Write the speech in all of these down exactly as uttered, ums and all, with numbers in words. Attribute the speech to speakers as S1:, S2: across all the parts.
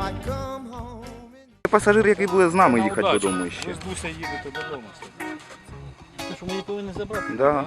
S1: Пасажир, який буде з нами їхати додому ще.
S2: З Дуся їде, то додому. Ти що, ми її повинні забрати?
S1: Да.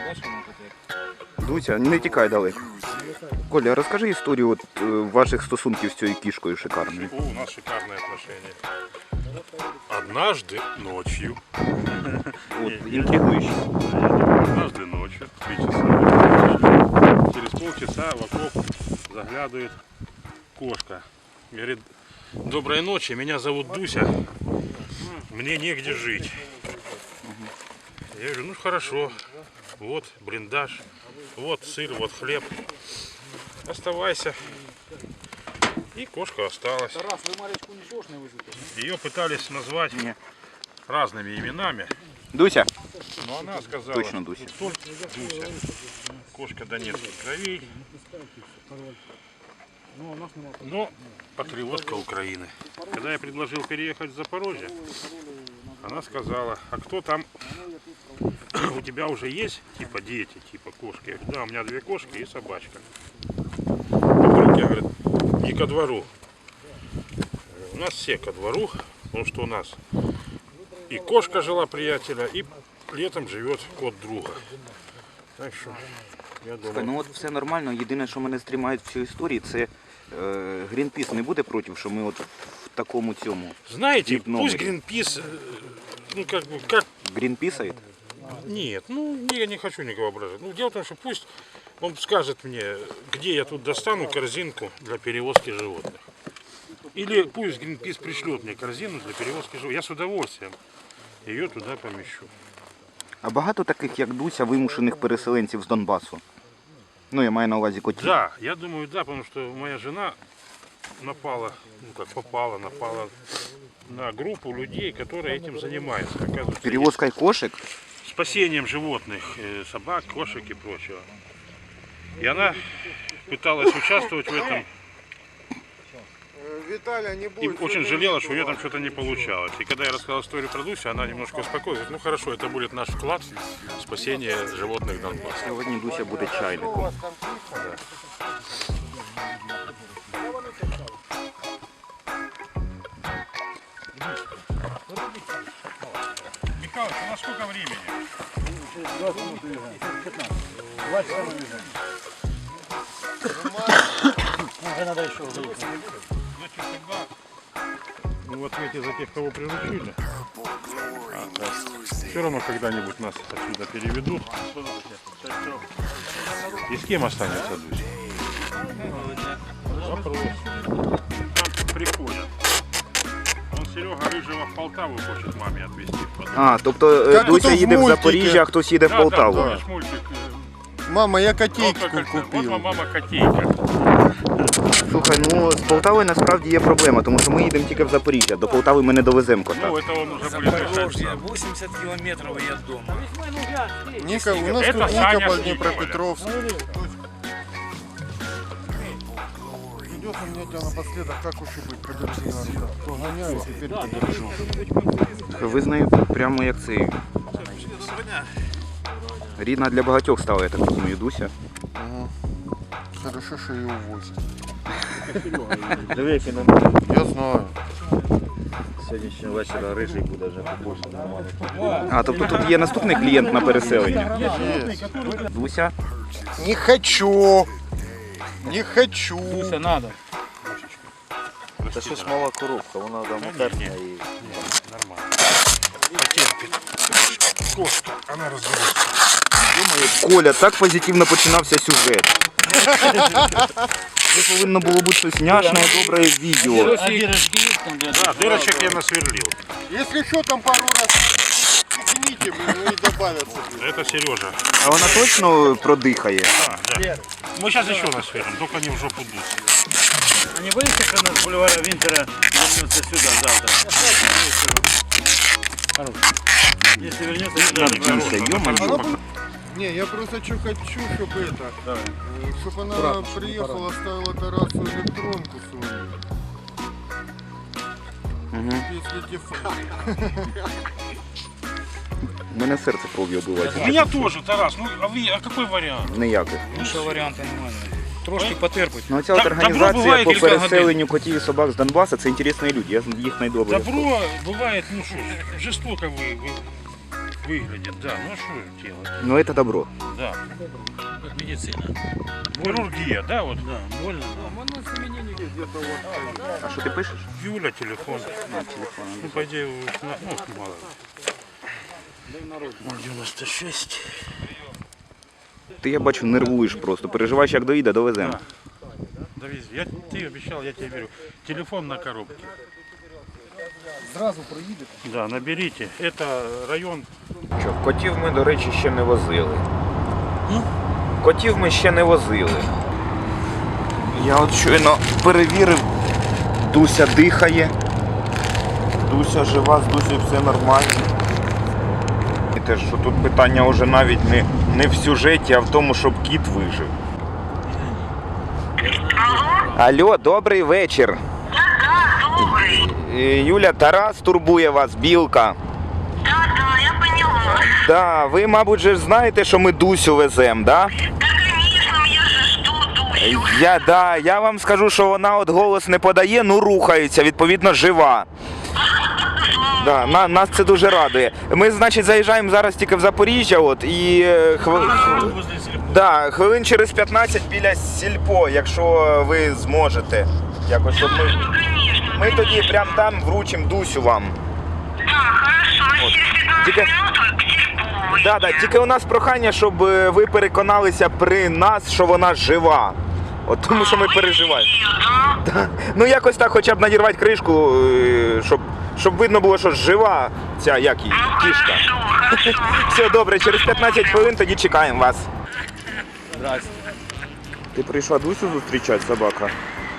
S1: Дуся, не тікай далеко. Коля, розкажи історію от, е, ваших стосунків з цією кішкою шикарною.
S3: О, у нас шикарные отношения. Однажды ночью,
S1: От, інтригуюче.
S3: однажды ночью, три часа, через полчаса в окоп заглядывает кошка. Говорит, доброй ночи, меня зовут Дуся, мне негде жить. Я говорю, ну хорошо, вот блиндаж, вот сыр, вот хлеб, оставайся. И кошка осталась.
S2: Тарас, ви Маречку нічого ж не везете?
S3: Ее пытались назвать
S1: Не.
S3: разными именами,
S1: Дуся?
S3: но она сказала,
S1: Точно Дуся.
S3: только Дуся. Кошка донецких кровей, но патриотка Украины. Когда я предложил переехать в Запорожье, она сказала, а кто там, у тебя уже есть типа дети, типа кошки? Я говорю, да, у меня две кошки и собачка. Вдруг я, говорит, и ко двору. У нас все ко двору, потому что у нас и кошка жила приятеля, и летом живет кот друга. Так що, я думаю...
S1: Ну от все нормально, єдине, що мене стрімають в цій історії, це е, Грінпіс не буде проти, що ми от в такому цьому.
S3: Знаете,
S1: вип-номере.
S3: пусть Гринпис, ну как бы, как...
S1: Грінпісаєт?
S3: Нет, ну не, не хочу никого ображать. Ну дело в том, что пусть он скажет мне, где я тут достану корзинку для перевозки животных. Или пусть Гринпис пришлет мне корзину для перевозки животных. Я с удовольствием ее туда помещу.
S1: А багато таких, як Дуся, вимушених переселенців з Донбасу? Ну, я маю на увазі котів.
S3: Да, я думаю, да, потому что моя жена напала, ну как попала, напала на группу людей, которые этим занимаются. Оказывается,
S1: Перевозкою кошек?
S3: спасением животных, э, собак, кошек и прочего. И она пыталась участвовать в этом.
S4: Виталя, не
S3: И
S4: будет.
S3: очень жалела, что у нее там что-то не получалось. И когда я рассказал историю про Дусю, она немножко успокоилась. Говорит, ну хорошо, это будет наш вклад в спасение животных Донбасса.
S1: Сьогодні Дуся буде чайником.
S3: Михалыч, у нас сколько времени?
S2: Уже надо еще выйти.
S3: Значит, тогда мы в ответе за тех, кого приручили. А, да. Все равно когда-нибудь нас отсюда переведут. И с кем останется Дуся? Вопрос. Там приходят. Он Серега Рыжего в Полтаву хочет маме отвезти.
S1: А, тобто
S4: Як
S1: Дуся
S4: ото в
S1: їде в
S4: мультике.
S1: Запоріжжя, а хтось їде в
S3: Да,
S1: Полтаву.
S3: да, помнишь мультик?
S4: Мама, я
S3: Волка
S4: котейку
S3: кольца. Вот
S4: купил.
S3: вам мама котейка.
S1: Слухай, ну з Полтавою насправді є проблема, тому що ми їдемо тільки в Запоріжжя. До Полтави ми не довеземо кота.
S3: Ну, это он уже будет решать
S2: Запорожье,
S3: сам.
S2: восемьдесят километров и от дома.
S4: Ника, у нас
S3: Это
S4: тут
S3: Саня
S4: Ника по
S3: Шникова.
S4: Днепропетровску. Придется мне тебя напоследок, как уж и быть, подержи нас. Погоняю, теперь подержу.
S1: Ви з нею прямо як цей. Рідна для багатьох стала, я так розумію, Дуся.
S4: Ага. Хорошо, что ее увозят.
S5: Диви, на
S4: Я знаю.
S5: сьогоднішнього вечора рижий буде вже побольше нормально.
S1: А, тобто тут є наступний клієнт на переселення.
S4: Есть.
S1: Дуся.
S4: Не хочу. Не хочу.
S2: Дуся, надо.
S5: Це щось мала коробка, вона там утерпна і...
S3: Нормально. Потерпит. Кошка, она разберется.
S1: Коля, так позитивно починався сюжет. Це повинно було бути щось няшне, добре відео.
S2: А дырочки есть там?
S3: Да, дырочек я насверлил.
S4: Если что, там пару раз пикните, блин, ну и добавятся.
S3: Это Сережа.
S1: А вона точно продихає?
S3: А, да. Мы сейчас еще насверлим, только не в жопу дуться.
S2: А не боишься, что нас с бульвара Винтера вернется сюда завтра? Хорош. Если вернется сюда,
S1: Надуйся, ё-моё.
S4: Не, я просто что хочу, чтобы это, чтобы она приехала, оставила Тарасу электронку свою.
S1: Угу.
S4: Если телефон.
S1: У мене серце кров'ю
S3: У
S1: оббивається.
S3: меня тоже, Тарас. Ну, а, вы, а какой вариант?
S1: Ніяких.
S2: Ну что, варианты нормальные.
S3: трошки потерпить.
S1: Ну, ця от
S3: Так, добро
S1: організація
S3: буває
S1: по
S3: кілька
S1: переселенню котів і собак з Донбасу, це інтересні люди, я їх найдобре.
S3: Добро бывает, ну что, жестоко вы, вы, выглядит, да, ну а что делать,
S1: Ну, це добро.
S3: да. Как медицина. Хирургия, да, вот.
S2: Да, больно.
S1: А що ти пишеш?
S3: Юля, телефон. Ну, по идее, ну, мало. девяносто шесть.
S1: Ти, я бачу, нервуєш просто, переживаєш, як доїде, довеземо.
S3: Довези. Я, ты обещал, я тебе верю. Телефон на коробке.
S4: Зразу проїдете.
S3: Да, наберите. Это район.
S1: Що, котів ми, до речі, ще не возили. Котів ми ще не возили. Я от щойно перевірив, Дуся дихає. Дуся жива, з Дусею все нормально. І те, що тут питання вже навіть не, не в сюжеті, а в тому, щоб кіт вижив. Алло, добрий вечір.
S6: Добрый.
S1: Е, Юля, Тарас турбує вас, Білка.
S6: Да, да, я поняла.
S1: Да, ви, мабуть, же ж знаєте, що ми Дусю веземо, да?
S6: Да, конечно, я же жду Дусю.
S1: Я, да, я вам скажу, що вона от голос не подає, ну рухається, відповідно, жива. Да, на, нас це дуже радує. Ми, значить, заїжджаємо зараз тільки в Запоріжжя, от, і е, хв...
S3: Возле сельпо.
S1: да, хвилин через п'ятнадцять біля сільпо, якщо ви зможете. Якось, щоб ми...
S6: Ну, конечно.
S1: ми тоді прямо там вручимо Дусю вам.
S6: Да, хорошо.
S1: Вот.
S6: Через пятнадцать
S1: Тільки-
S6: минут к Сельповой.
S1: Да, да, тільки у нас прохання, щоб е, ви переконалися при нас, що вона жива. От тому що ми переживаємо.
S6: Да?
S1: Да. Ну якось так хоча б надірвати кришку, е, щоб, щоб видно було, що жива ця, як її,
S6: Ну,
S1: кішка.
S6: хорошо, хорошо.
S1: Все добре, через п'ятнадцять хвилин тоді чекаємо вас.
S2: Здрасте.
S1: Ти прийшла Дусю зустрічати, собака?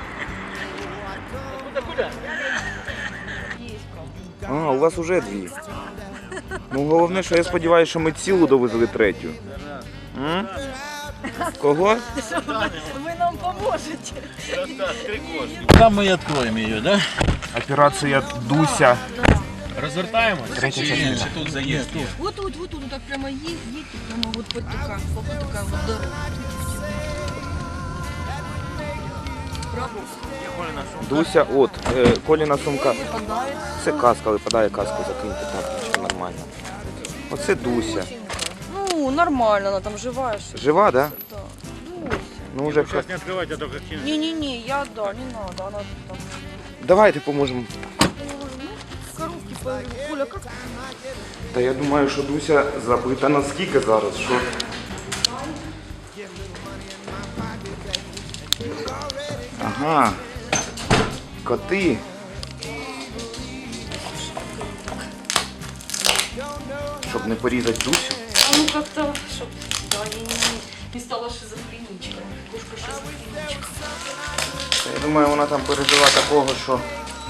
S1: А, у вас уже дві. Ну головне, що я сподіваюся, що ми цілу довезли третю. М? Кого?
S7: Вы нам поможете.
S2: Там мы и откроем ее, да?
S1: Операція Дуся.
S2: Развертаемся?
S1: Третья частина.
S2: Тут заезд.
S7: Вот тут, вот тут, вот так прямо едь, едьте, прямо вот под такая, вот такая вот дорога. Право.
S1: Дуся, от, е, Коліна сумка.
S7: Выпадает.
S1: Це каска, випадає каску, закиньте так, нічого, нормально. Оце Дуся.
S7: Ну, нормально, она там живая. что ли.
S1: Жива, да?
S7: Да. Дуся.
S1: Ну вже все.
S3: Сейчас не открывайте, а только кинуть.
S7: Не-не-не, я, да, не надо, она там.
S1: Давайте поможемо.
S7: Ну, коровки, по... Коля, как?
S1: Та я думаю, що Дуся забита наскільки зараз, що... Ага. Коти. Щоб не порізати Дусю.
S7: Ну, как-то, чтоб, да, не, не, не стала шизофреничка. Кошка шизофреничка.
S1: Та я думаю, вона там пережила такого, що...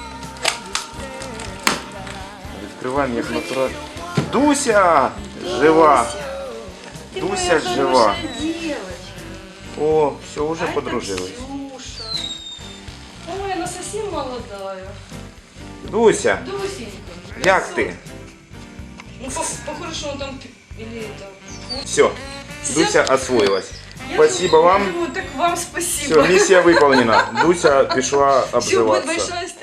S1: Відкриваємо як натурально. Дуся! Жива!
S7: Ты
S1: Дуся
S7: моя
S1: жива.
S7: хорошая девочка.
S1: О, все, уже
S7: А это
S1: подружились.
S7: Ксюша. Ой, она совсем молодая.
S1: Дуся,
S7: Дусенька.
S1: як ти?
S7: Ну, по- похоже, что он там... пи- Или это...
S1: Все, Дуся освоилась.
S7: Я
S1: Спасибо
S7: думаю,
S1: вам.
S7: думаю, так вам спасибо.
S1: Все, миссия выполнена. Дуся пішла
S7: Все, будет
S1: обживаться.
S7: большая